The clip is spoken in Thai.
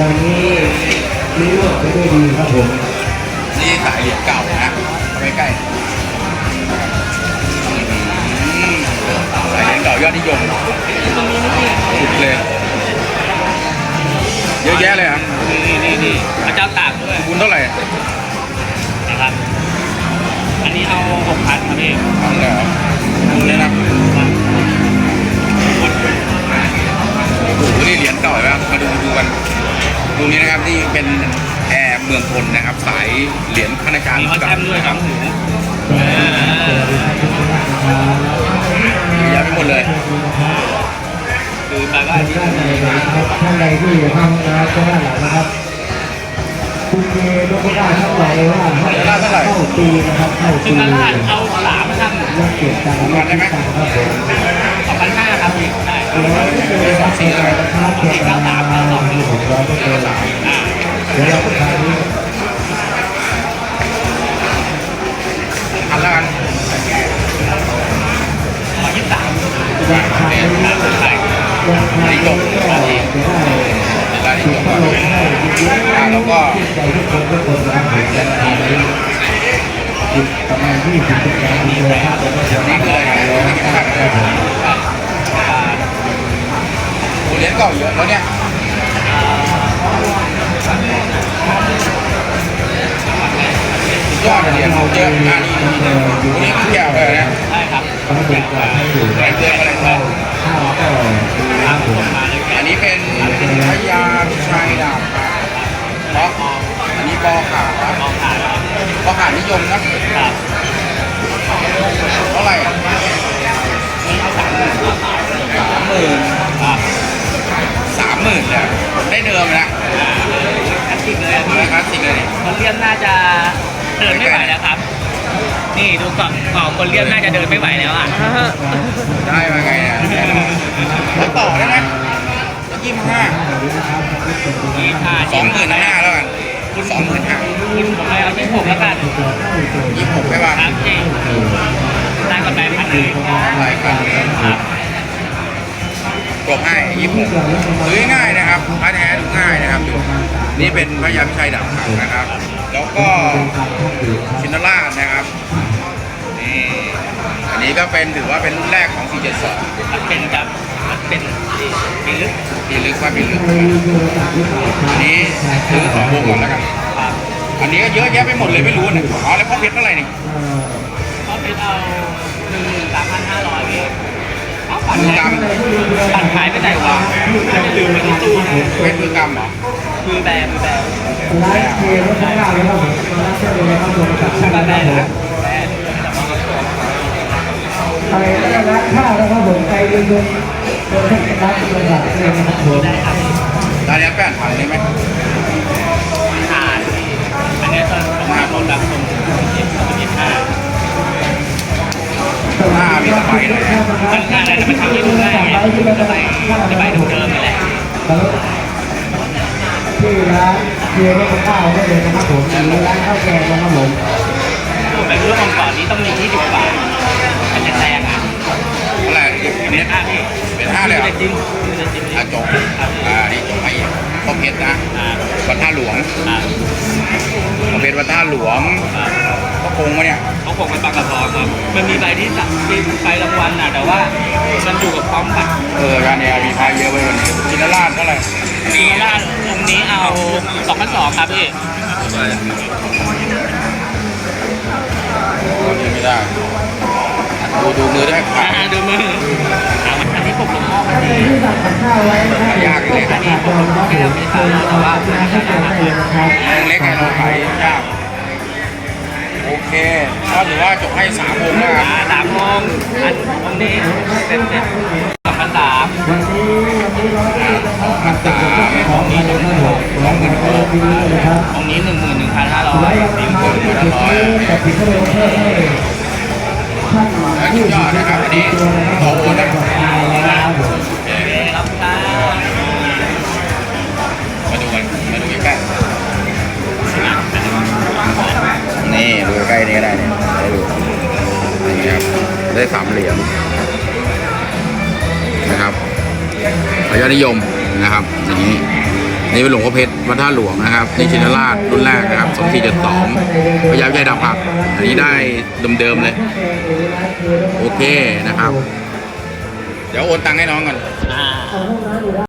วันนี้รู้เรื่องไปด้วยดีครับผมนี่สายเหรียญเก่านะไปใกล้สายเหรียญเก่ายอดนิยมสุดเลยเยอะแยะเลยครับนี่พระเจ้าตากด้วยคุณเท่าไหร่นะครับอันนี้เอา6,000ครับพี่ทำเลยครับนี่นะโอ้โหนี่เหรียญเก่าไหมครับมาดูกันดูนี้นะครับนี่เป็นแอร์เมืองพลนะครับสายเหรียญข้าราชการมีวัดแชมป์ด้วยครับหูเยอะไปหมดเลยคือแปลว่าท่านใดที่ทำนะก็ด้านหลังนะครับคุณเมย์ลูกได้เท่าไหร่ว่าเข้าปีนะครับเข้าปีเอา3ท่านเลือกเก็บตังค์ได้ไหมครับผม 2,500ครับพี่ได้แล้วก็เป็นสองสี่นะครับเก็บตังค์ที่ผมร้อยก็เป็นเดี๋ยวเราไปทานนี้อันละกันราคาไม่ได้ราคาไม่ได้ร้านนี้จบก่อนแล้วก็ใจทุกคนทุกคนนะครับผมจะทำได้ประมาณ20ปีเลยครับนี่คืออะไรเหรียญเก่าเยอะแล้วเนี่ยยอดเหรียญเยอะอันนี้แก้วเลยนะใช่ครับแก้วเตือนอะไรครับอันนี้เป็นพญาชัยดาบเพราะอันนี้บอขาบอขานิยมนะเท่าไหร่30,000เนี่ยได้เดิมนะคลาสสิกเลยคลาสสิกเลยคนเลี่ยมน่าจะเดินไม่ไหวแล้วครับนี่ดูก่อนคนเลี่ยมน่าจะเดินไม่ไหวแล้วอ่ะได้มาไงเนี่ยแล้วต่อได้ไหม25,000 25,000แล้วกันคุณ25,000 คุณผมเอา26แล้วกัน 26ใช่ป่ะครับพี่ได้กำไรพันเลยรายการกลบให้26ซื้อง่ายนะครับพระแท้ดูง่ายนะครับดูนี่เป็นพระยาพิชัยดาบขาวนะครับแล้วก็ชินราชนะครับนี่อันนี้ก็เป็นถือว่าเป็นรุ่นแรกของ472 เป็นครับเป็นปีลึกว่าปีลึกอันนี้ซื้อ2 วงก่อนแล้วกันอันนี้ก็เยอะแยะไปหมดเลยไม่รู้เนี่ยอ๋อแล้วพ่อเพชรเท่าไหร่นี่พ่อเพชรเอา13,500เองปั่นขายไปไหนวะลืมไปที่ตู้เป็นมือกรรมเหรอมือแบมือแบไลฟ์เกมข้างล่างเลยครับผมไลฟ์เกมเลยครับผมกับช่างนะครับผมไปได้ร้านข้าวนะครับผมไปเดินตัวเทศบาลจังหวัดเลยนะครับผมร้านนี้8,000ได้ไหมอันนี้ตอนผมมาลงดังตรงมีสบายเลยมันง่ายแต่มันทำให้ดูง่ายไงจะไปดูเดิมนี่แหละที่ร้านเกี๊ยวข้าวได้เลยนะครับผมหรือร้านข้าวแกงนะครับผมแบบเรื่องก่อนนี้ต้องมี20 บาทมันจะแรงอ่ะอะไรเป็น5พี่เป็น5เลยเหรอจริงจบนี่จบให้พ่อเพชรนะวัดท่าหลวงพ่อเพชรวัดท่าหลวงก็คงมาเนี่ยเขาคงเป็นบางกระพรครับมันมีใบที่สั่งใบรางวัลน่ะแต่ว่ามันอยู่กับพร้อมบัตรการเนี่ยมีพายเยอะไปวันนี้ชินราชเท่าไหร่ชินราชองค์นี้เอา2,200ครับพี่ไม่ได้ดูมือได้ดูมืออันนี้ผมลงหม้อพอดียากเลยอันนี้ผมลงหม้อให้เราเป็นสาวแต่ว่าเล็กไงเราขายยากโอเคก็ถือว่าจบให้3 วงนะครับ 3 วงอันนี้เป็น2,300 ของนี้ของนี้11,500 แต่ผิดก็เลยเพิ่มให้ท่านยอดนะครับอันนี้ขอบคุณนะครับมาดูใกล้นี่ดูใกล้นี้ก็ได้เนี่ยได้ดูนี่ครับได้3 เหรียญนะครับยอดนิยมนะครับอย่างนี้นี่เป็นหลวงพ่อเพชรวัดท่าหลวงนะครับนี่ชินราชรุ่นแรกนะครับ2472พญาพิชัยดาบหักอันนี้ได้เดิมๆเลย โอเคนะครับ เดี๋ยวโอนตังค์ให้น้องก่อนอ่า